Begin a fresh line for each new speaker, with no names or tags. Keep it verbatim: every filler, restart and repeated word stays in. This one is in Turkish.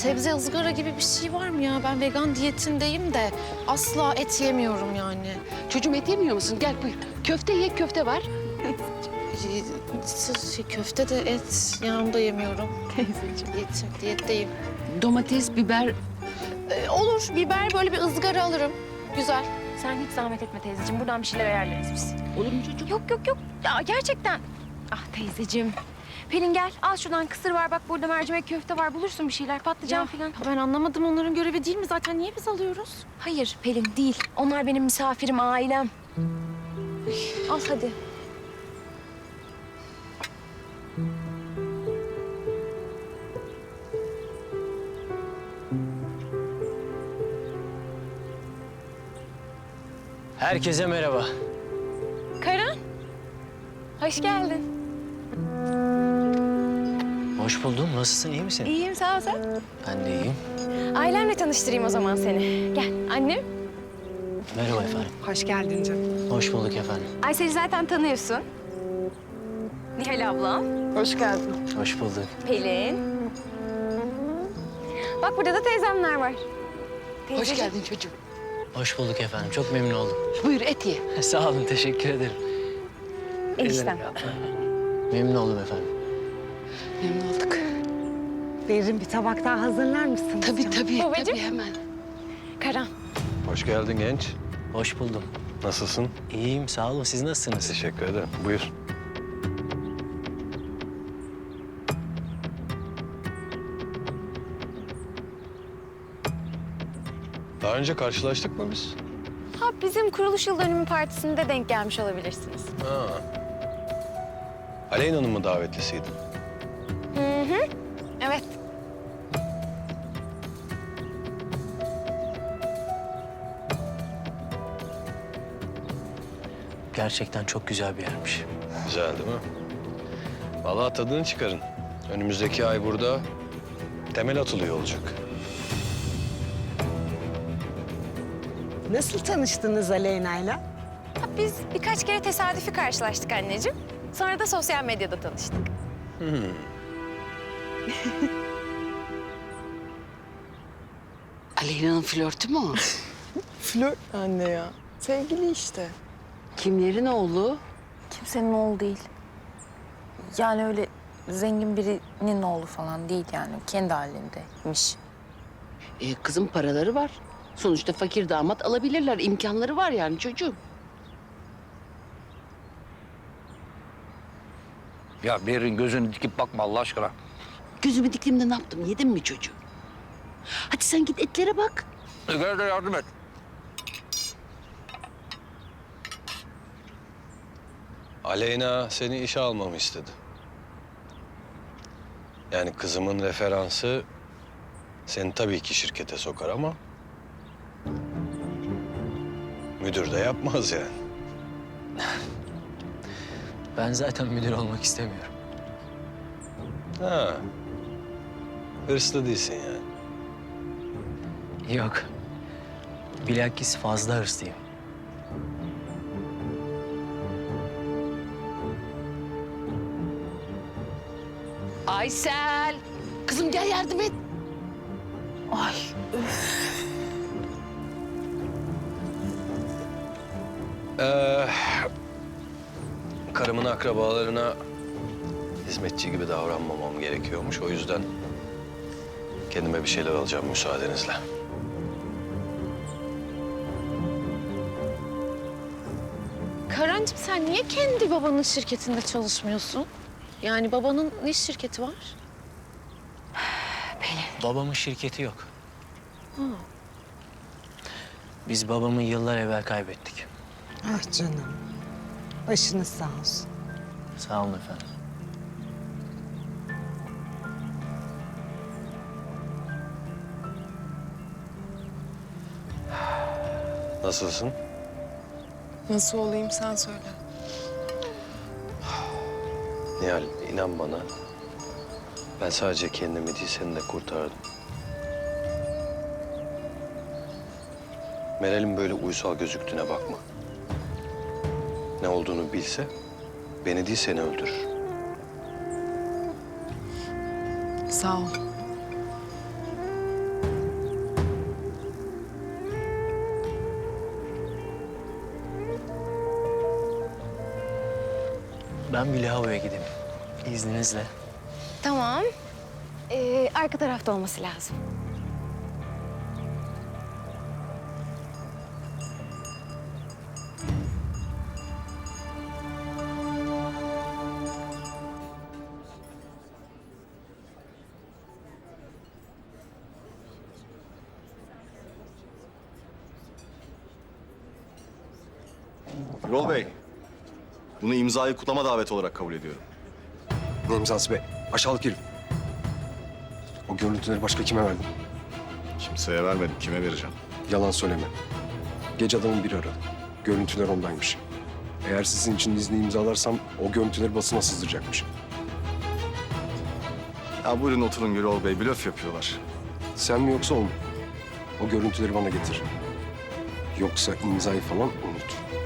sebze ızgara gibi bir şey var mı ya? Ben vegan diyetindeyim de asla et yemiyorum yani.
Çocuğum et yemiyor musun? Gel buyur. Köfte ye, köfte var.
Şey, köfte de et, ya onu da yemiyorum. Teyzeciğim. Diyet, diyetteyim.
Domates, biber.
Ee, olur, biber böyle bir ızgara alırım. Güzel.
Sen hiç zahmet etme teyzeciğim. Buradan bir şeyler ayarlarız biz.
Olur mu çocuğum?
Yok yok yok. Ya gerçekten. Ah teyzeciğim. Pelin gel. Al şuradan kısır var. Bak burada mercimek köfte var. Bulursun bir şeyler. Patlıcan
Ya,
falan.
ben anlamadım, onların görevi değil mi? Zaten niye biz alıyoruz?
Hayır Pelin değil. Onlar benim misafirim, ailem. Al hadi.
Herkese merhaba.
Karan. Hoş geldin.
Hoş buldum. Nasılsın? İyi misin?
İyiyim sağ ol sen.
Ben de iyiyim.
Ailemle tanıştırayım o zaman seni. Gel annem.
Merhaba efendim.
Hoş geldin canım.
Hoş bulduk efendim.
Aysel'i zaten tanıyorsun. Nihal ablam.
Hoş geldin.
Hoş bulduk.
Pelin. Bak burada da teyzemler var.
Hoş
Teyzeciğim.
geldin çocuğum.
Hoş bulduk efendim. Çok memnun oldum.
Buyur et ye.
Sağ olun. Teşekkür ederim.
Eniştem.
Memnun oldum efendim.
Memnun olduk.
Berin bir tabak daha hazırlar mısın?
Tabii tabii,
Babacığım.
tabii hemen.
Karan.
Hoş geldin genç.
Hoş buldum.
Nasılsın?
İyiyim. Sağ olun. Siz nasılsınız?
Teşekkür ederim. Buyur. Daha önce karşılaştık mı biz?
Ha bizim kuruluş yıl dönümü partisinde denk gelmiş olabilirsiniz.
Ha. Aleyna'nın mı davetlisiydi?
Hı hı. Evet.
Gerçekten çok güzel bir yermiş.
Güzel değil mi? Vallahi tadını çıkarın. Önümüzdeki ay burada temel atılıyor olacak.
Nasıl tanıştınız Aleyna'yla?
Ha, biz birkaç kere tesadüfi karşılaştık anneciğim. Sonra da sosyal medyada tanıştık.
Aleyna'nın flörtü mü o?
Flört anne ya. Sevgili işte.
Kimlerin oğlu?
Kimsenin oğlu değil. Yani öyle zengin birinin oğlu falan değil yani. Kendi halindeymiş.
Ee, kızın paraları var. Sonuçta fakir damat alabilirler. İmkanları var yani çocuğum.
Ya Berin gözünü dikip bakma Allah aşkına.
Gözümü diktiğimde ne yaptım? Yedin mi çocuğu? Hadi sen git etlere bak.
Gel de yardım et.
Aleyna seni işe almamı istedi. Yani kızımın referansı seni tabii ki şirkete sokar ama müdür de yapmaz yani.
Ben zaten müdür olmak istemiyorum.
Ha. Hırslı değilsin yani.
Yok. Bilakis fazla hırslıyım.
Aysel. Kızım gel yardım et.
Ay
Ee, karımın akrabalarına hizmetçi gibi davranmamam gerekiyormuş. O yüzden kendime bir şeyler alacağım müsaadenizle.
Karancığım, sen niye kendi babanın şirketinde çalışmıyorsun? Yani babanın ne şirketi var?
Babamın şirketi yok. Biz babamı yıllar evvel kaybettik.
Ah canım. Başınız sağ olsun.
Sağ olun efendim.
Nasılsın?
Nasıl olayım sen söyle.
Nihal, inan bana. Ben sadece kendimi değil, seni de kurtardım. Meral'in böyle uysal gözüktüğüne bakma. Ne olduğunu bilse beni değil seni öldürür.
Sağ ol.
Ben bir lavaboya gideyim. İzninizle.
Tamam. Ee, arka tarafta olması lazım.
Yol Bey, bunu imzayı kutlama daveti olarak kabul ediyorum.
Ne imzası be? Aşağılık herif. O görüntüleri başka kime verdin?
Kimseye vermedim, kime vereceğim?
Yalan söyleme. Gece adamın biri aradı. Görüntüler ondaymış. Eğer sizin için izni imzalarsam o görüntüleri basına sızdıracakmış.
Ya buyurun oturun Gürol Bey, blöf yapıyorlar.
Sen mi yoksa o mu? O görüntüleri bana getir. Yoksa imzayı falan unut.